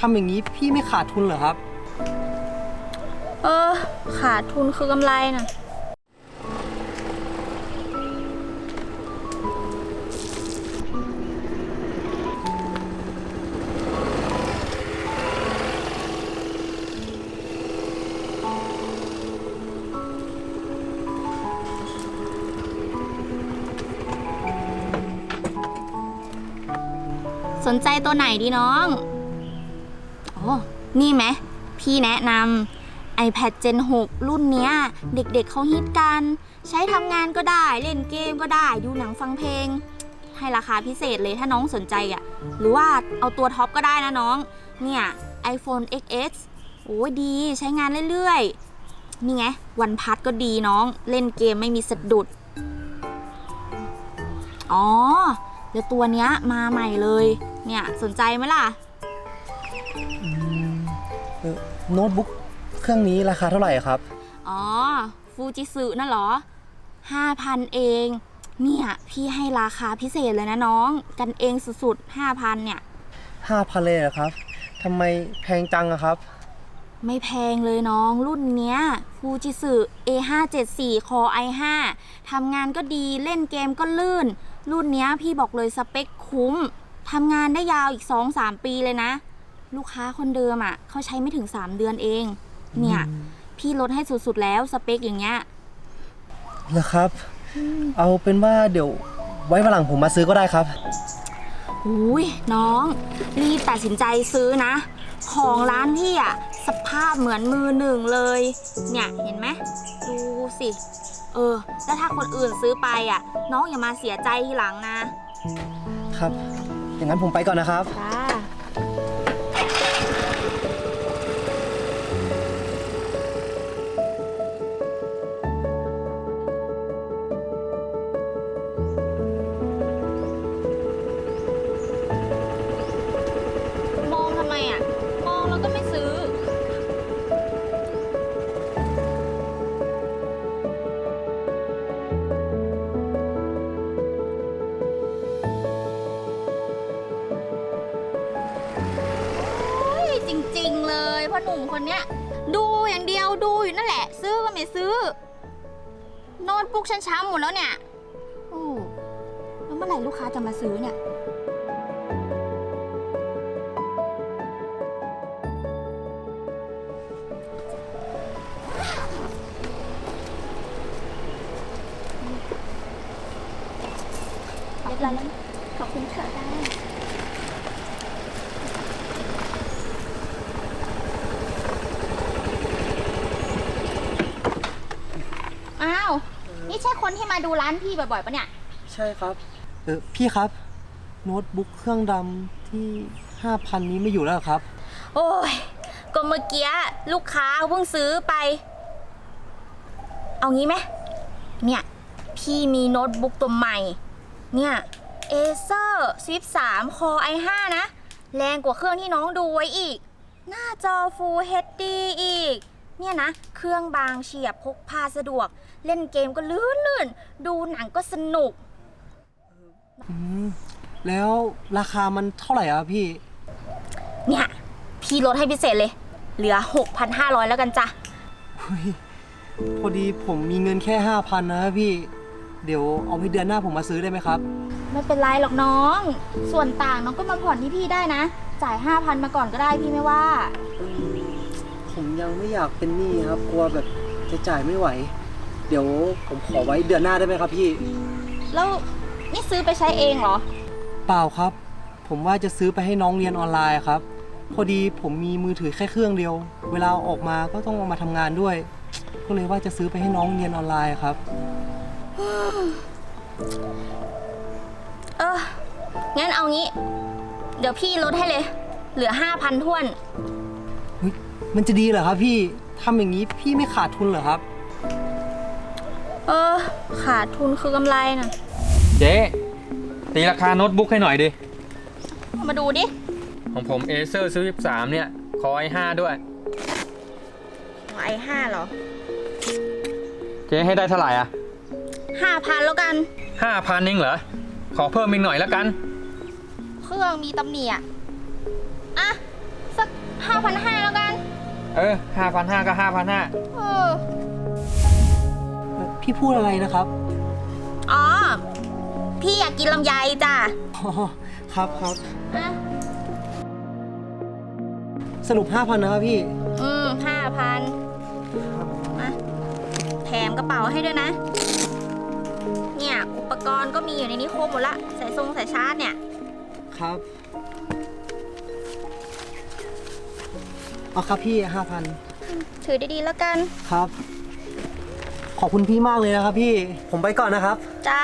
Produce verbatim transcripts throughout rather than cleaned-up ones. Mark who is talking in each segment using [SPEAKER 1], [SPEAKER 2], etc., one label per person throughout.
[SPEAKER 1] ำอย่างนี้พี่ไม่ขาดทุนเหรอครับ
[SPEAKER 2] เออขาดทุนคือกำไรน่ะสนใจตัวไหนดีน้องโอ้นี่ไหมพี่แนะนำ iPad เจน หก รุ่นเนี้ยเด็กๆ เเขาฮิตกันใช้ทำงานก็ได้เล่นเกมก็ได้ดูหนังฟังเพลงให้ราคาพิเศษเลยถ้าน้องสนใจอ่ะหรือว่าเอาตัวท็อปก็ได้นะน้องเนี่ย iPhone เอ็กซ์ เอ็กซ์ โอ้ดีใช้งานเรื่อยๆนี่ไงวันพัทก็ดีน้องเล่นเกมไม่มีสะดุดอ๋อเดี๋ยวตัวเนี้ยมาใหม่เลยเนี่ยสนใจไหมล่ะ
[SPEAKER 1] โน้ตบุ๊กเครื่องนี้ราคาเท่าไหร่ครับ
[SPEAKER 2] อ๋อฟูจิสึน่ะเหรอ ห้าพัน เองเนี่ยพี่ให้ราคาพิเศษเลยนะน้องกันเองสุดๆ ห้าพัน เนี่ย
[SPEAKER 1] ห้าพัน เลยเหรอครับทำไมแพงจังอะครับ
[SPEAKER 2] ไม่แพงเลยน้องรุ่นเนี้ยฟูจิสึ เอ ห้าเจ็ดสี่ Core ไอ ห้า ทำงานก็ดีเล่นเกมก็ลื่นรุ่นเนี้ยพี่บอกเลยสเปคคุ้มทำงานได้ยาวอีก สองถึงสาม ปีเลยนะลูกค้าคนเดิมอ่ะเขาใช้ไม่ถึงสามเดือนเองเนี่ยพี่ลดให้สุดๆแล้วสเปคอย่างเงี้ย
[SPEAKER 1] เหรอครับเอาเป็นว่าเดี๋ยวไว้วันหลังผมมาซื้อก็ได้ครับ
[SPEAKER 2] อุ้ยน้องรีบตัดสินใจซื้อนะของร้านพี่อ่ะสภาพเหมือนมือหนึ่งเลยเนี่ยเห็นไหมดูสิเออแล้วถ้าคนอื่นซื้อไปอ่ะน้องอย่ามาเสียใจทีหลังนะครับ
[SPEAKER 1] อย่างนั้นผมไปก่อนนะครับ
[SPEAKER 2] จ้ามองทำไมอ่ะมองแล้วก็ไม่ซื้อจริงๆเลยพ่อหนุ่มคนเนี้ยดูอย่างเดียวดูอยู่นั่นแหละซื้อก็ไม่ซื้อโน้ตบุ๊กฉันช้ำหมดแล้วเนี่ยโอ้แล้วเมื่อไหร่ลูกค้าจะมาซื้อเนี่ยเรียบร้อยแล้วขอบคุณเถอะได้อ้าวนี่ใช่คนที่มาดูร้านพี่บ่อยๆปะเนี่ย
[SPEAKER 1] ใช่ครับเออพี่ครับโน้ตบุ๊กเครื่องดำที่ ห้าพัน นี้ไม่อยู่แล้วครับ
[SPEAKER 2] โอ้ยก็เมื่อกี้ลูกค้าเพิ่งซื้อไปเอางี้ไหมเนี่ยพี่มีโน้ตบุ๊กตัวใหม่เนี่ย Acer Swift สาม Core ไอ ห้า นะแรงกว่าเครื่องที่น้องดูไว้อีกหน้าจอ Full เอช ดี อีกเนี่ยนะเครื่องบางเฉียบพกพาสะดวกเล่นเกมก็ลื่นๆดูหนังก็สนุก
[SPEAKER 1] อืมแล้วราคามันเท่าไหร่อ่ะพี่
[SPEAKER 2] เนี่ยพี่ลดให้พิเศษเลยเหลือ หกพันห้าร้อย แล้วกันจ้ะ
[SPEAKER 1] พอดีผมมีเงินแค่ ห้าพัน นะพี่เดี๋ยวเอาไว้เดือนหน้าผมมาซื้อได้ไหมครับ
[SPEAKER 2] ไม่เป็นไรหรอกน้องส่วนต่างน้องก็มาผ่อนที่พี่ได้นะจ่าย ห้าพัน มาก่อนก็ได้พี่ไม่ว่า
[SPEAKER 1] ผมยังไม่อยากเป็นหนี้ครับกลัวแบบจะจ่ายไม่ไหวเดี๋ยวผมขอไว้เดือนหน้าได้ไหมครับพี่
[SPEAKER 2] แล้วนี่ซื้อไปใช้เองเหรอ
[SPEAKER 1] เปล่าครับผมว่าจะซื้อไปให้น้องเรียนออนไลน์ครับพอดีผมมีมือถือแค่เครื่องเดียวเวลาออกมาก็ต้องเอามาทำงานด้วยก็เลยว่าจะซื้อไปให้น้องเรียนออนไลน์ครับ
[SPEAKER 2] เอองั้นเอางี้เดี๋ยวพี่ลดให้เลยเหลือ ห้าพัน ถ้วน
[SPEAKER 1] มันจะดีเหรอครับพี่ทำอย่างนี้พี่ไม่ขาดทุนเหรอครับ
[SPEAKER 2] เออขาดทุนคือกำไรนะ
[SPEAKER 3] เจ๊ตีราคาโน้ตบุ๊กให้หน่อยดิ
[SPEAKER 2] มาดูดิ
[SPEAKER 3] ของผม Acer Swift สาม เนี่ย Core ไอ ห้า ด้วย
[SPEAKER 2] ไอ ห้า เหรอ
[SPEAKER 3] เจ๊ให้ได้เท่าไหร่อ่ะ
[SPEAKER 2] ห้าพัน แล้วกัน
[SPEAKER 3] ห้าพัน เองเหรอขอเพิ่มอีกหน่อยแล้วกัน
[SPEAKER 2] เครื่องมีตำหนิอ่ะอ่ะสักห้าพันห้าแล้วกัน
[SPEAKER 3] เออห้าพันห้าก็ห้าพันห้า
[SPEAKER 2] เออ
[SPEAKER 1] พี่พูดอะไรนะครับ
[SPEAKER 2] อ๋อ พี่อยากกินลำไยจ้ะ
[SPEAKER 1] อ๋อครับครับ
[SPEAKER 2] อ่ะ
[SPEAKER 1] สรุปห้าพันนะครับพี่
[SPEAKER 2] อืมห้าพันมาแถมกระเป๋าให้ด้วยนะ เนี่ย อุปกรณ์ก็มีอยู่ในนี้ครบหมดละ สายทรงสายชาร์จเนี่ย
[SPEAKER 1] ครับเอาครับพี่ห้าพัน
[SPEAKER 2] ถือดีๆแล้วกัน
[SPEAKER 1] ครับ ขอบคุณพี่มากเลยนะครับพี่ ผมไปก่อนนะครับ
[SPEAKER 2] จ้า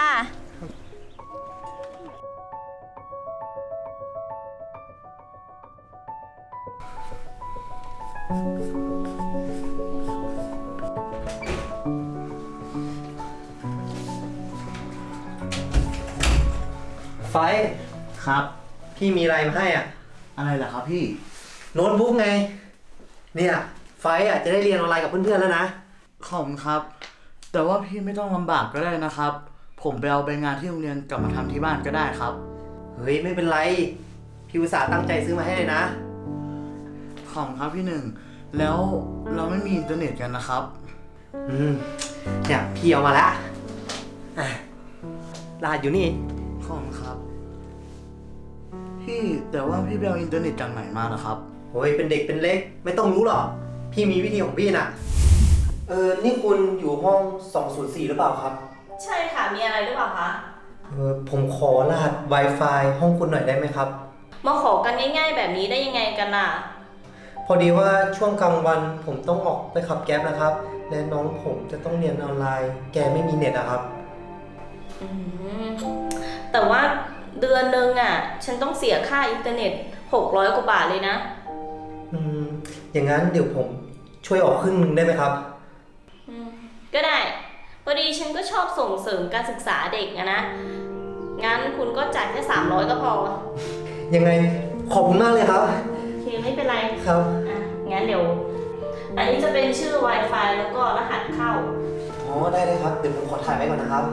[SPEAKER 1] ไฟท์
[SPEAKER 4] ครับ
[SPEAKER 1] พี่มีอะไรมาให้อ่ะ
[SPEAKER 4] อะไรล่ะครับพี่
[SPEAKER 1] โน้ตบุ๊กไง เนี่ยไฟท์อ่ะจะได้เรียนออนไลน์กับเพื่อนๆแล้วนะ
[SPEAKER 4] ขอบคุณครับ แต่ว่าพี่ไม่ต้องลำบากก็ได้นะครับ ผมไปเอาใบงานที่โรงเรียนกลับมาทำที่บ้านก็ได้ครับ
[SPEAKER 1] เฮ้ยไม่เป็นไร พี่อุตส่าห์ตั้งใจซื้อมาให้เลยนะ
[SPEAKER 4] ขอบคุณครับพี่หนึ่ง แล้วเราไม่มีอินเทอร์เน็ตกันนะครับ
[SPEAKER 1] อืมเนี่ยพี่เอามาแล้วอ่ะรหัสอยู่นี่
[SPEAKER 4] ขอบคุณครับ พี่แต่ว่าพี่ไปเอาอินเทอร์เน็ตจากไหนมาล่ะครับ
[SPEAKER 1] โอ้ยเป็นเด็กเป็นเล็ก ไม่ต้องรู้หรอก พี่มีวิธีของพี่น่ะ เออ นี่คุณอยู่ห้องสองศูนย์สี่หรือเปล่าครับ
[SPEAKER 5] ใช่ค่ะ มีอะไรหรือเปล่าคะ
[SPEAKER 1] เออ ผมขอรหัส Wi-Fi ห้องคุณหน่อยได้ไหมครับ
[SPEAKER 5] มาขอกันง่ายๆแบบนี้ได้ยังไงกันน่ะ
[SPEAKER 1] พอดีว่าช่วงกลางวันผมต้องออกไปขับแก๊ปนะครับ และน้องผมจะต้องเรียนออนไลน์ แกไม่มีเน็ตอะครับ
[SPEAKER 5] อืม แต่ว่าเดือนหนึ่งอ่ะ ฉันต้องเสียค่าอินเทอร์เน็ตหกร้อยกว่าบาทเลยนะ
[SPEAKER 1] อืม อย่างนั้นเดี๋ยวผมช่วยออกครึ่งหนึงได้ไหมครับ
[SPEAKER 5] อืม ก็ได้ พอดีฉันก็ชอบส่งเสริมการศึกษาเด็กอะนะ งั้นคุณก็จ่ายแค่สามร้อยก็พอ
[SPEAKER 1] ยังไงขอบคุณมากเลยครับ
[SPEAKER 5] โอเคไม่เป็นไร
[SPEAKER 1] ครับ
[SPEAKER 5] อ่ะ งั้นเดี๋ยว อันนี้จะเป็นชื่อ Wi-Fi แล้วก็รหัสเข้า
[SPEAKER 1] อ๋อ ได้เลยครับ เดี๋ยวผมขอถ่ายไว้ก่อนนะครับ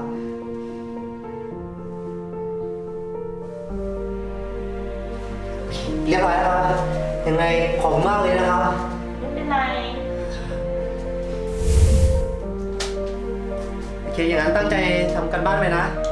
[SPEAKER 1] เรียบร้อยแล้วครับ ยังไงขอบคุณมากเลยนะครับ
[SPEAKER 5] ไม่เป็นไร
[SPEAKER 1] โอเค อย่างนั้นตั้งใจทำกันบ้านไปนะ
[SPEAKER 5] โ